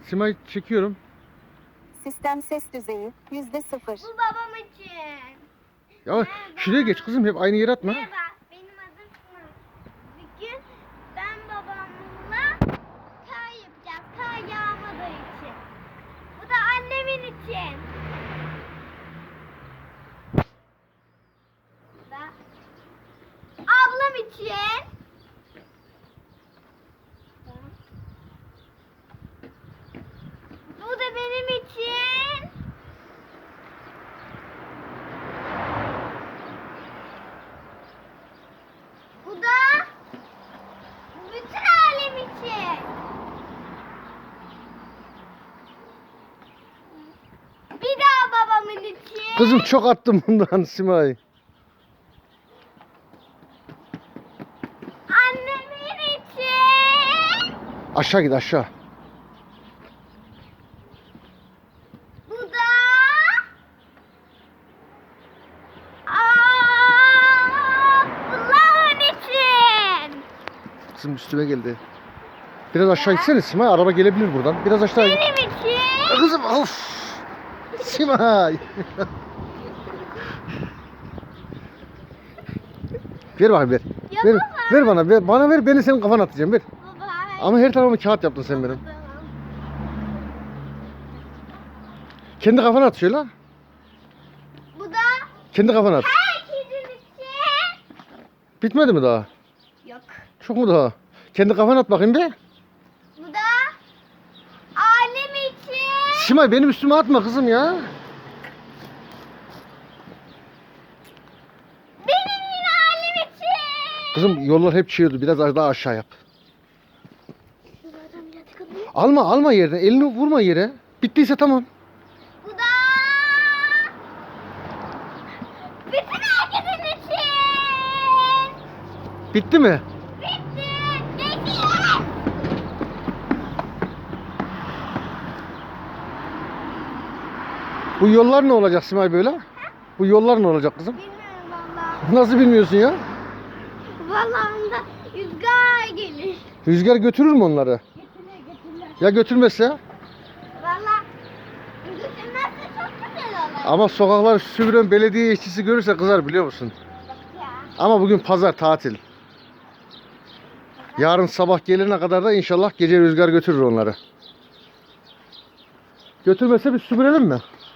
Simay çekiyorum. Sistem ses düzeyi %0. Bu babam için. Ya şuraya geç kızım, hep aynı yere atma. Merhaba, benim adım Sınav. Bugün ben babamla kar yapacağız. Kar yağmadığı için. Bu da annemin için. Bu da ablam için. Bu da benim için. Bu da bütün alem için. Bir daha babamın için. Kızım çok attım bundan Simay. Annemin için. Aşağı git aşağı. Bu da Allah'ın için. Kızım üstüme geldi. Biraz aşağı gitsene Simay, araba gelebilir buradan. Biraz aşağı git. Benim için. Kızım of. Simay. Ver bakayım ver. Ya Ver, baba. ver bana, ver. Bana ver, beni senin kafana atacağım, ver. Baba. Ama her tarafıma kağıt yaptın sen benim. Tamam. Kendi kafana at şöyle. Bu da Kendi kafana at. herkesin için. Bitmedi mi daha? Yok. Çok mu daha? Kendi kafana at bakayım bir. Bu da alem için. Simay benim üstüme atma kızım ya. Benim yine alem için. Kızım yollar hep çiğiyordu. Biraz daha aşağı yap. Alma yerden. Elini vurma yere. Bittiyse tamam. Bu da bütün herkesin için. Bitti mi? Bitti. Bitti. Bu yollar ne olacak Simay böyle? Bu yollar ne olacak kızım? Bilmiyorum valla. Nasıl bilmiyorsun ya? Valla onda rüzgar gelir. Rüzgar götürür mü onları? Getirir. Ya götürmezse? Valla götürmezse çok güzel olur. Ama sokaklar süpüren belediye işçisi görürse kızar, biliyor musun? Ya. Ama bugün pazar, tatil. Yarın sabah gelene kadar da inşallah gece rüzgar götürür onları. Götürmezse biz süpürelim mi?